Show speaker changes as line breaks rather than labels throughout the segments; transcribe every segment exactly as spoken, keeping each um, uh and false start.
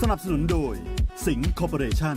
นับสนุนโดยสิงห์คอร์ปอเรชั่น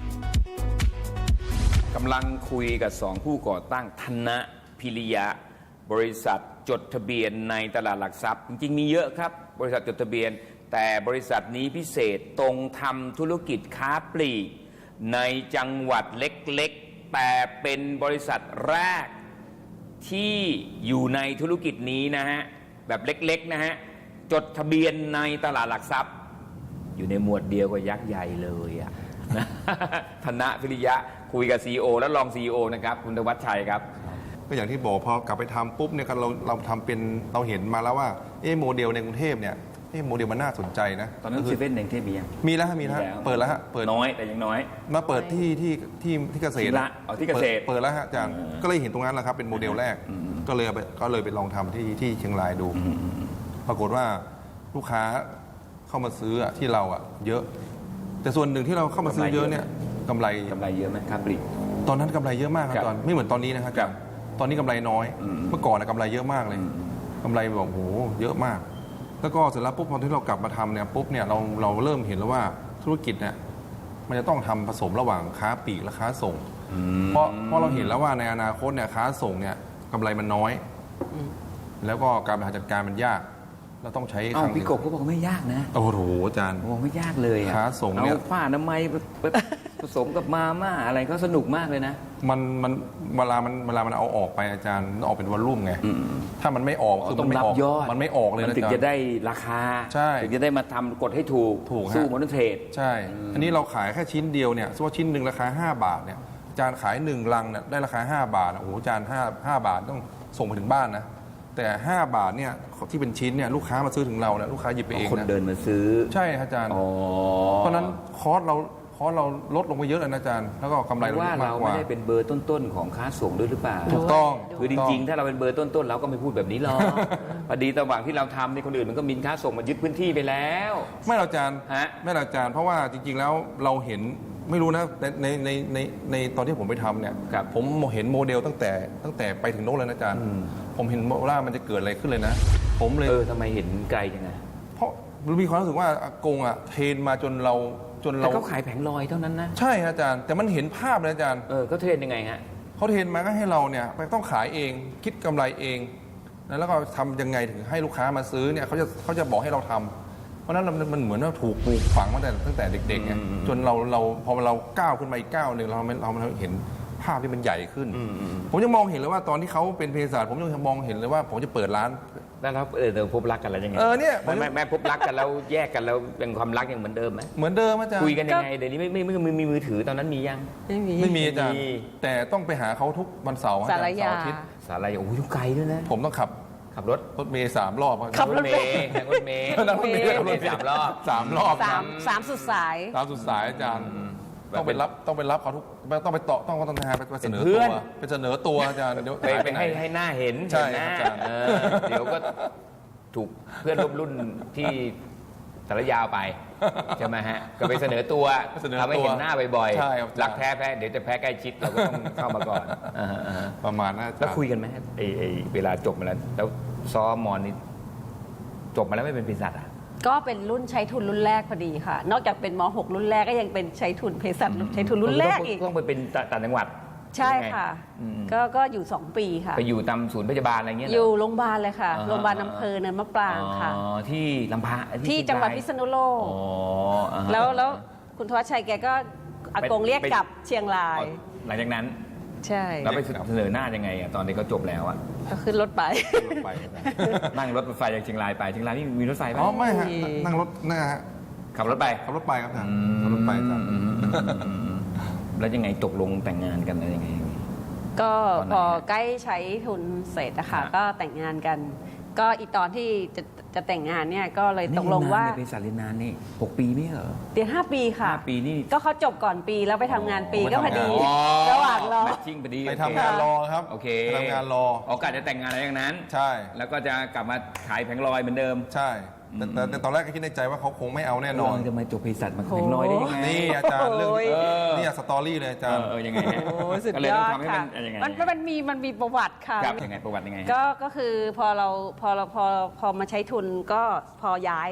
กำลังคุยกับสองผู้ก่อตั้งธนพิริยะบริษัทจดทะเบียนในตลาดหลักทรัพย์จริงๆมีเยอะครับบริษัทจดทะเบียนแต่บริษัทนี้พิเศษตรงทำธุรกิจค้าปลีกในจังหวัดเล็กๆแต่เป็นบริษัทแรกที่อยู่ในธุรกิจนี้นะฮะแบบเล็กๆนะฮะจดทะเบียนในตลาดหลักทรัพย์อยู่ในหมวดเดียวกับยักษ์ใหญ่เลยอะ ธนพิริยะคุยกับ ซี อี โอ และรอง ซี อี โอ นะครับคุณธวัชชัยครับ
ก็อย่างที่บอกพอกลับไปทำปุ๊บเนี่ยเราเราทำเป็นเราเห็นมาแล้วว่าเอ๊ะโมเดลในกรุงเทพเนี่ยเอ๊ะโมเดลมันน่าสนใจนะ
ตอนนั้นเซเว่นในกรุงเทพมียัง
มีแล้วมีแล้วเปิดแล้วฮะเปิด
น้อยแต่ยังน้อย
มาเปิดที่ที่ที่ที่เกษตร
ละเอาที่เกษตร
เปิดแล้วฮะอาจารย์ก็เลยเห็นตรงนั้นแหละครับเป็นโมเดลแรกก็เลยก็เลยไปลองทำที่ที่เชียงรายดูปรากฏว่าลูกค้าเข้ามาซื้อที่เราอ่ะเยอะแต่ส่วนหนึ่งที่เราเข้ามาซื้อเยอะเนี่ยกำไร
กำไรเยอะไหมครับปลีก
ตอนนั้นกำไรเยอะมากครับตอนไม่เหมือนตอนนี้นะครับตอนนี้กำไรน้อยเมื่อก่อนนะกำไรเยอะมากเลยกำไรแบบโหเยอะมากแล้วก็เสร็จแล้วปุ๊บพอที่เรากลับมาทำเนี่ยปุ๊บเนี่ยเราเราเริ่มเห็นแล้วว่าธุรกิจเนี่ยมันจะต้องทำผสมระหว่างค้าปลีกและค้าส่งเพราะเพราะเราเห็นแล้วว่าในอนาคตเนี่ยค้าส่งเนี่ยกำไรมันน้อยแล้วก็การบริหารจัดการมันยากเราต้องใช้
ครั้งพี่กบเขาบอกไม่ยากนะ
โอ้โหอาจารย์
บอกไม่ยากเลย
ค้าส่งเนี่ย
เอาผ้าอนามัยผสมกับมาม่าอะไรก็สนุกมากเลยนะ
มันมันเวลามันเวลามันเอาออกไปอาจารย์ออกเป็นวอลลุ่มไงถ้ามันไม่ออก
คือมันไม่ออก
มันไม่ออกเลยนะ
ถึงจะได้ราคาถึงจะได้มาทำกฎให้ถูก
ถูก
สู้มนุษย์เทรด
ใช่อันนี้เราขายแค่ชิ้นเดียวเนี่ยสมมติชิ้นหนึ่งราคาห้าบาทเนี่ยอาจารย์ขายหนึ่งลังเนี่ยได้ราคาห้าบาทโอ้โหอาจารย์ห้าห้าบาทต้องส่งไปถึงบ้านนะแต่ห้าบาทเนี่ยที่เป็นชิ้นเนี่ยลูกค้ามาซื้อถึงเราเนี่ยลูกค้าหยิบไปเองนะ
คนเดินมาซื้อ
ใช่อาจารย์เพราะนั้นคอสเราคอสเราลดลงไปเยอะเลยนะอาจารย์แล้วก็กำไรเรา
ว่าเราไม่ได้เป็นเบอร์ต้นๆของค้าส่งด้วยหรือเปล่า
ถูกต้อง
คือจริงๆถ้าเราเป็นเบอร์ต้นๆเราก็ไม่พูดแบบนี้หรอกพอดีระหว่างที่เราทำในคนอื่นมันก็มีค้าส่งมายึดพื้นที่ไปแล้ว
ไม่เราอาจารย์ไม่เราอาจารย์เพราะว่าจริงๆแล้วเราเห็นไม่รู้นะในในในในตอนที่ผมไปทำเนี่ยผมเห็นโมเดลตั้งแต่ตั้งแต่ไปถึงโน้นเลยนะอาจารย์ผมเห็นว่ามันจะเกิดอะไรขึ้นเลยนะผมเลย
เออทำไมเห็นไกลจังไง
เพราะมีความรู้สึกว่าอากงอ่ะเทรนมาจนเราจนเรา
เขาขายแผงลอยเท่านั้นนะ
ใช่อาจารย์แต่มันเห็นภาพเลยอาจารย์
เออเขาเทรนยังไงฮะ
เขาเทรนมาก็ให้เราเนี่ยไปต้องขายเองคิดกำไรเองแล้วก็ทำยังไงถึงให้ลูกค้ามาซื้อเนี่ยเขาจะเขาจะบอกให้เราทำเพราะนั้นมันเหมือนว่าถูกปลูกฝังมาแต่ตั้งแต่เด็กๆไงจนเราเราพอเราก้าวขึ้นมาอีกก้าวหนึ่งเราเราเห็นภาพที่มันใหญ่ขึ้นผมยังมองเห็นเลยว่าตอนที่เขาเป็นเภสัชผมยังมองเห็นเลยว่าผมจะเปิดร้าน
แล้วเราเออเราพบรักกันแล้วยังไง
เออเนี่ย
แม่แม่พบรักกันแล้วแยกกันแล้วเป็นความรักยังเหมือนเดิมไหม
เหมือนเดิมอาจารย์
คุยกันยังไงเดี๋ยวนี้ไม่ไม่ไม่มีมือถือตอนนั้นมียัง
ไม่มีไม่มีอาจารย์แต่ต้องไปหาเขาทุกวันเสาร์
สารยา
สารยาโอ้ยไกลด้วยนะ
ผมต้องขับ
ขับรถ
รถเมย์สามรอบ
ขับรถเมย์
รถเมย์รถเมย์รถเมย์สามรอบ
สามรอบ
สามสามสุดสาย
สามสุดสายอาจารย์ต้องไปรับต้องไปรับเขาทุกต้องไปต่อต้องต้องไปเสนอตัวไปเสนอตัวอาจารย์เดี๋ยว
ไปให้ให้หน้าเห็น
ใช่อาจารย์
เดี๋ยวก็ถูกเพื่อนร่วมรุ่นที่สารยาวไปใช่ไหมฮะก็ไปเสนอตัวทำให้เห็นหน้าบ่อยๆรักแท้แพ้เดี๋ยวจะแพ้ใกล้ชิดเราก็ต้องเข้ามาก่อน
ประมาณนั้น
แล้วคุยกันไหมไอ้ไอ้เวลาจบมาแล้วแล้วซ้อมมอนนี่จบมาแล้วไม่เป็นเภสัชอ่ะ
ก็เป็นรุ่นใช้ทุนรุ่นแรกพอดีค่ะนอกจากเป็นม หก รุ่นแรกก็ยังเป็นใช้ทุนเภสัชใช้ทุนรุ่นแรกอีก
ต้องไปเป็นต่างจังหวัด
ใช่ค่ะก็ก็อยู่สองปีค่ะ
ไปอยู่ตามศูนย์พยาบาลอะไรเงี้ย
อยู่โรงพยาบาลเลยค่ะโรงพยาบาลอำเภอเนินมะปรางค่ะ
ที่ลำพะ
ที่จังหวัดพิษณุโลกแล้วแล้วคุณธวัชชัยแกก็อากงเรียกกลับเชียงราย
หลังจากนั้น
ใช่
แล้วไปเสนอหน้ายังไงอ่ะตอนนี้เขาจบแล้วอ่ะ
ก็ขึ้นรถไป
นั่งรถไฟจากเชียงรายไปเชียงรายนี่มีรถไฟไหม
อ๋อไม่ฮะนั่งรถนะฮะ
ขับรถไป
ขับรถไปครับท่านขับรถไปครับ
แล้วยังไงตกลงแต่งงานกันอะไรยังไง
ก็พอใกล้ใช้ทุนเสร็จนะคะก็แต่งงานกัน ก็อีตอนที่จะจะแต่งงานเนี่ยก็เลยตกลงว่า
เป็นสารีนานนี่หกปีไม่เหรอ
เรียนห้าปีค่ะ
ห้าปีนี่
ก็เขาจบก่อนปีแล้วไปทำงานปีก็พอดีระหว่างรอ
แมทชิ่งพอดี
ไปทำงานรอครับ
โอเค
ทำงานรอ
โอกาสจะแต่งงานอะไรอย่างนั้น
ใช่
แล้วก็จะกลับมาขายแผงลอยเหมือนเดิม
ใช่แต่แต่ตอนแรกก็คิดในใจว่าเขาคงไม่เอาแน่นอน
จะมาจบเภสัชมาแผงลอยได้ยังไง
นี่อาจารย์เรื่องนี่สตอรี่เลยอาจารย์
เออยังไง
ก็เลยต้องทำให้มันยังไงมันมันมีมันมีประวัติค่ะ
ยังไงประวัติยังไง
ก็ก็คือพอเราพอเราพอพอมาใช้ทุนก็พอย้าย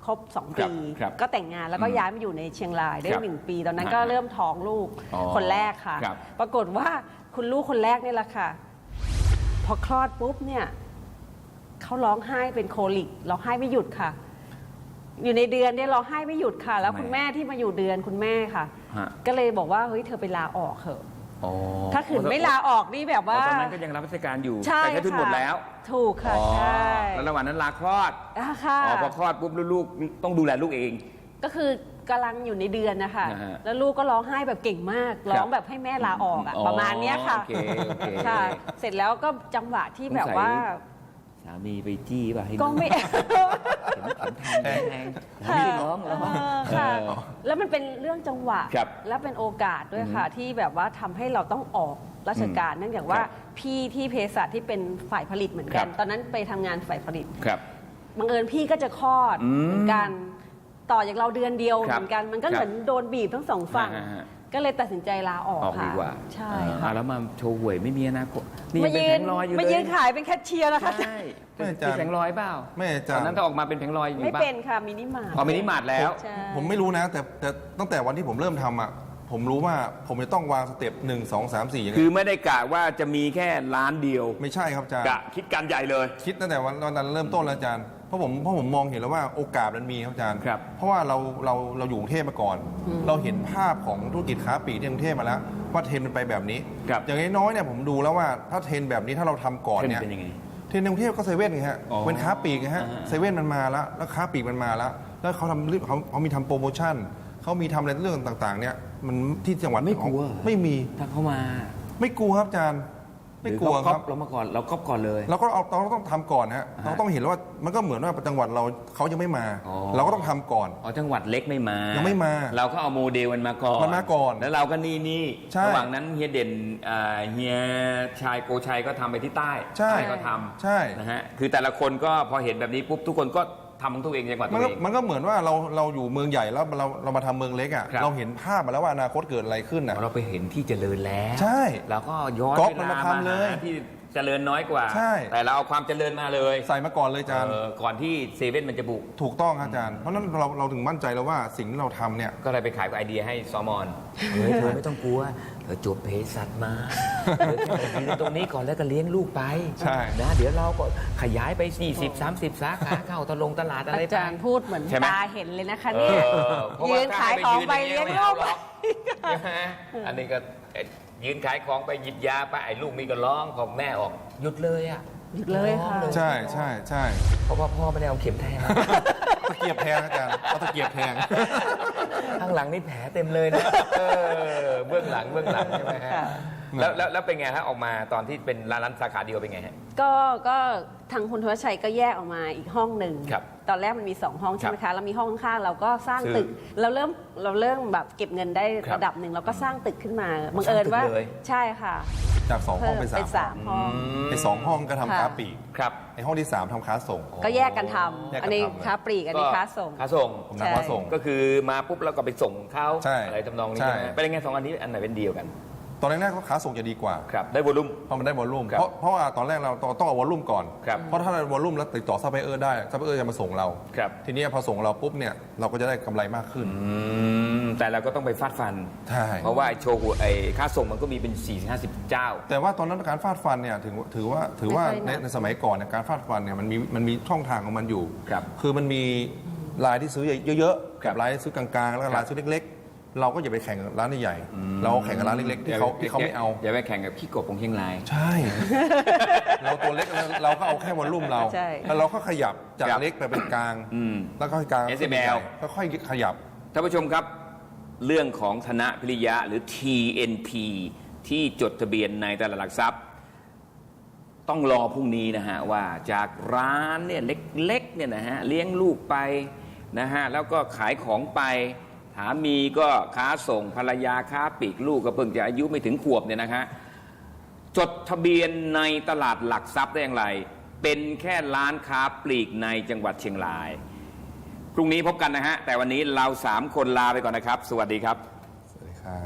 ครบสอง
ครั
ปี
บครับ
ก็แต่งงานแล้วก็
อืม
ย้ายมาอยู่ในเชียงรายได้
ครับ
หนึ่งปี ตอนนั้น
ฮะ
ก็เริ่มท้องลูก
อ๋อ
คนแรกค่ะ
ครับ
ปรากฏว่าคุณลูกคนแรกนี่แหละค่ะ พอคลอดปุ๊บเนี่ยเขาร้องไห้เป็นโคลิกร้องไห้ไม่หยุดค่ะ อยู่ในเดือนเนี่ยร้องไห้ไม่หยุดค่ะ แล้วคุณแม่ที่มาอยู่เดือนคุณแม่ค่ะ
ฮะ
ก็เลยบอกว่าเฮ้ยเธอไปลาออกเถอะ
อ๋อ
ถ้าขืนไม่ลาออกนี่แบบ
อ๋อ
ว่า
ตอนนั้นก็ยังรับราชการอยู่
ใช่
แต่แค่ทุน
ค่ะ
หมดแล้ว
ถูกค่ะ
อ๋อ
ใช่
แล้วระหว่างนั้นลาคลอด
อ่าค่ะ
อ๋อพอคลอดปุ๊บลูกๆต้องดูแลลูกเอง
ก็คือกำลังอยู่ในเดือนนะคะ
นะฮะ
แล้วลูกก็ร้องไห้แบบเก่งมาก ร้องแบบให้แม่ลาออกอะ
อ๋อ
ประมาณเนี้ยค่ะ
โอเคโอเค
ค่ะ เสร็จแล้วก็จังหวะที่แบบว่า
สามีไปจี้ป่ะให้
ก็ไม่
เข็มขัดแทงแทงไม่ได้ร้องเหรอ
เออค่ะ
เออ
แล้วมันเป็นเรื่องจังหวะ
ครับ
และเป็นโอกาสด้วยค่ะ ที่แบบว่าทำให้เราต้องออกราชการ เนื่องจากว่า
ครับ
พี่ที่เภสัชที่เป็นฝ่ายผลิตเหมือนกัน
ครับ
ตอนนั้นไปทำงานฝ่ายผลิต
ครับ
บังเอิญพี่ก็จะคลอด
อืม
เหมือนกัน ต่อจากเราเดือนเดียว
ครับ
เหมือนกัน มันก็
ครับ
เหมือนโดนบีบทั้งสองฝั่ง
ฮะฮะ
ก็เลยตัดสินใจลาออก
ออกดี
ค่ะ
กว่า
ใช่
อ่า
ค่ะ
แล้วมาโชว์หวยไม่มีอนาคตนี่
มา
เป็น
ยื
แผ
น
งลอยอยู่เลย
มายืนขายเป็นแคชเชียร์นะคะ
ใช่
ไม่อา
เป็
จารย์
นแผงลอยเปล่า
ไม่อา
ต
จาร
อน
ย์
นั้นถ้าออกมาเป็นแผงลอยอยู่
ไม่
ป่ะ
เป็นค่ะมินิมาร์ท
พอมินิมาร์ทแล้ว
ใช่
ผมไม่รู้นะ แต่แต่ตั้งแต่วันที่ผมเริ่มทำอ่ะผมรู้ว่าผมจะต้องวางสเต็ปหนึ่งสองสามสี่ยังไง
คือไม่ได้กะว่าจะมีแค่ล้านเดียว
ไม่ใช่ครับอาจารย์
กะคิดการใหญ่เลย
คิดตั้งแต่วันวันนั้นเริ่มต้นแล้วอาจารย์เพราะผมเพราะผมมองเห็นแล้วว่าโอกาสมันมีครับอาจารย์
ครับ
เพราะว่าเราเราเราอยู่กรุงเทพมาก่อน เราเห็นภาพของธุรกิจค้าปลีกที่กรุงเทพมาแล้ว ว่าเทรนด์มันไปแบบนี้
ครับ
อย่างน้อยๆเนี่ยผมดูแล้วว่าถ้าเทรนด์แบบนี้ถ้าเราทำก่อน
เทรนด์
เนี่ย
เป็นยังไง
เทรนด์ในกรุงเทพก็เซเว่นไงฮะ
อ๋อ
เป็นค้าปลีกไงฮะ
อ่า
เซเว่นมันมาแล้วแล้วค้าปลีกมันมาแล้ว แล้วเขาทำเขาเขามีทำโปรโมชั่นเขามีทำอะไรเรื่องต่างๆ เนี่ยมันที่จังหวัด
ไม่กลัว
ไม่มี
ถ้าเขามา
ไม่กลัวครับอาจารย์ไม่กลัว
หอ
ค
เขา
รับ
เรามาก่อนเราก๊อปก่อนเลย
เราก็เอาเราต้องทำก่อนฮะ
ฮะ
เราต้องเห็นว่ามันก็เหมือนว่าจังหวัดเราเขายังไม่มา
อ๋อ
เราก็ต้องทำก่อน
อ๋อจังหวัดเล็กไม่มา
ยั
ยัง
ไม่มา
เราก็เอาโมเดลมันมาก่อน
มันมาก่อน
แล้วเราก็นี่นี่
ใช่
ระหว่างนั้นเฮียเด่นอ่าเฮียชายโกชัยก็ทำไปที่ใต้
ใช่
ใต้ก็ทำ
ใช่
นะฮะคือแต่ละคนก็พอเห็นแบบนี้ปุ๊บทุกคนก็ทำของตัวเองจังหวัด
มั
ตั
น
ว
ก็
เอง
มันก็เหมือนว่าเราเราอยู่เมืองใหญ่แล้วเราเรามาทำเมืองเล็กอ่ะ
ครับ
เราเห็นภาพมาแล้วว่าอนาคตเกิดอะไรขึ้นอ่ะ
เราไปเห็นที่เจริญแล้ว
ใช่
เราก็ย้อน
ก๊อป
เว
มัน
ลา
มา
มา
ทำเลย
หาที่เจริญน้อยกว่า
ใช่
แต่เราเอาความเจริญมาเลย
ใส่มาก่อนเลยอาจารย์
เออก่อนที่เซเว่นมันจะบุก
ถูกต้องครับอาจารย์ เพราะฉะนั้นเราเราถึงมั่นใจแล้วว่าสิ่งที่เราทำเนี่ย
ก็เลยไปขายไอเดียให้ซอมอน เฮ้ยเธอไม่ต้องกลัว เธอจบเภสัชมาเธอแค่มายืนตรงนี้ก่อนแล้วก็เลี้ยงลูกไป
ใช่
นะเดี๋ยวเราก็ขยายไป สี่สิบ สามสิบ สาขาเข้าตะลงตลาดอะไร
อา
ไป
จารย์พูดเหมือน
ใช่ไหม
ตาเห็นเลยนะคะ
เอ
เนี่ย
อเพราะว่า
ยืนขายของไปเลี้ยงลูก
ถ้าให้ไปยืนอย่างนี้ไม่เอาหรอกใช่ไหมอันนี้ก็เอ๊ะยืนขายของไปหยิบยาไปไอ้ลูกนี่ก็ร้องพอแม่ออกหยุดเลยอ่ะ
หยุดเลยค่ะ
ใช่ใช่ใช่
เพราะว่าพ่อไม่ได้เอาเข็มแทง
ตะเกียบแทงอาจารย์เอาตะเกียบแทง
ข้างหลังนี่แผลเต็มเลยนะเออเบื้องหลังเบื้องหลังใช่ไหมฮะ
ค่ะ
แล้วแล้วแล้วเป็นไงฮะออกมาตอนที่เป็นร้านร้านสาขาเดียวเป็นไงฮะ
ก็ก็ทางคุณทวชชัยก็แยกออกมาอีกห้องหนึ่ง
ครับ
ตอนแรกมันมีสองห้องใช่ไหม
ครั
คะ
บ
แล้วมีห้องข้างๆเราก็สร้าง
ซื้อ
ตึกเราเริ่มเราเริ่มแบบเก็บเงินได้
ครับ
ระดับหนึ่งเราก็สร้างตึกขึ้นมาบังเอิญว่า
สร้างตึกเลย
ใช่ค่ะ
จากสองห้องเป็นสาม
เป็นสามห้อง
ไอ้สองห้องก็ทำค้า
ค่ะ
ปลีก
ครับ
ไอ้ห้องที่สามทำค้าส่ง
ก็แยกกันท
แยกกัน
ำอันนี้
ทำเลย
ค้าปลีกอันนี้ค้าส่ง
ค้าส่ง
ผมนักค้าส่ง
ก็คือมาปุ๊บแล้วก็ไปส่งเขา
ใช่
อะไรทำนองนี้
ใช่
ใช่ไหมเป็นยังไงสองอันนี้อันไหนเป็นเดียวกัน
ตอนแรกๆก็ค้าส่งจะดีกว่า
ครับได้วอลุ่ม
เพราะมันได้วอลลุ่ม
ครับ
เพราะเพราะว่าตอนแรกเราต้องต้องเอาวอลลุ่มก่อน
ครับ
เพราะถ้าเราวอลลุ่มแล้วติดต่อซัพพลายเออร์ได้ซัพพลายเออร์จะมาส่งเรา
ครับ
ทีนี้พอส่งเราปุ๊บเนี่ยเราก็จะได้กำไรมากขึ้น
อืมแต่เราก็ต้องไปฟาดฟัน
ใช่
เพราะว่าไอ้โชว์หวยไอ้ค่าส่งมันก็มีเป็นสี่ห้าสิบเจ้า
แต่ว่าตอนนั้นการฟาดฟันเนี่ยถือถือว่าถือว่า
ไม่ค่อยห
ใน
นัก
ในสมัยก่อนเนี่ยการฟาดฟันเนี่ยมันมีมันมีช่องทางของมันอยู่
ครับ
คือมันมีรายที่ซื้อเยอะๆ
ครั
กับบ รายที่ซื้อกลางๆ แล้วก็รายซื้อเล็กๆ เราก็อย่าไปแข่งกับร้านใหญ่ๆเราแข่งกับร้านเล็กๆที่เขาที่เขาไม่เอา
อย่าไปแข่งกับขี้กบของเชียงราย
ใช่ เราตัวเล็กเราก็เอาแค่วอลลุ่มเรา
ใช่
แล้วเราก็ขยับจาก
ครับ
เล็กไปเป็นกลาง
อืม
แล้วก็กลาง
เอส เอ็ม แอล
ก็ค่อยขยับ
ท่านผู้ชมครับ เรื่องของธนพิริยะหรือ ที เอ็น พี ที่จดทะเบียนในตลาดหลักทรัพย์ ต้องรอพรุ่งนี้นะฮะว่าจากร้านเนี่ยเล็กๆเนี่ยนะฮะเลี้ยงลูกไปนะฮะแล้วก็ขายของไปสามีก็ค้าส่งภรรยาค้าปลีกลูกก็เพิ่งจะอายุไม่ถึงขวบเนี่ยนะฮะจดทะเบียนในตลาดหลักทรัพย์ได้อย่างไร เป็นแค่ร้านค้าปลีกในจังหวัดเชียงราย พรุ่งนี้พบกันนะฮะแต่วันนี้เราสามคนลาไปก่อนนะครับ สวัสดีครับ
สวัสดีครับ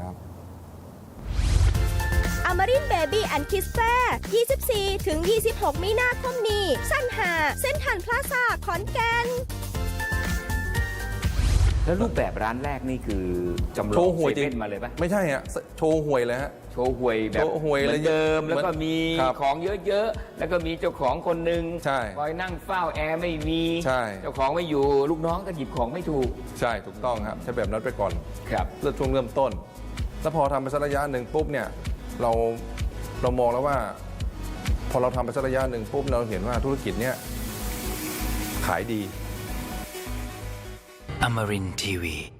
อมรินเบบี้แอนด์คิสแฟร์ยี่สิบสี่ถึงยี่สิบหก มีนาคมนี้สั้นหาเส้นทันพลาซาขอนแก่น
แล้วรูปแบบร้านแรกนี่คือจำล
โช
อง
ว์หวย
เซ
จริง
เว่นมาเลยปะ
ไม่ใช่ฮะโชว์หวยเลยฮะ
โชว์หวยแบบ
โชว์หวย
เหมือนเดิม
เลย
แล้วก็มี
ครับ
ของเยอะๆ แล้วก็มีเจ้าของคนหนึ่ง
ใช่
คอยนั่งเฝ้าแอร์ไม่มี
ใช่
เจ้าของไม่อยู่ลูกน้องก็หยิบของไม่ถูก
ใช่ถูกต้องครับใช้แบบนั้นไปก่อน
ครับ
เริ่มช่วงเริ่มต้น แล้วพอทำไปสักระยะหนึ่งปุ๊บเนี่ยเราเรามองแล้วว่า พอเราทำไปสักระยะหนึ่งปุ๊บเราเห็นว่าธุรกิจเนี้ยขายดี
Amarin Tiwi.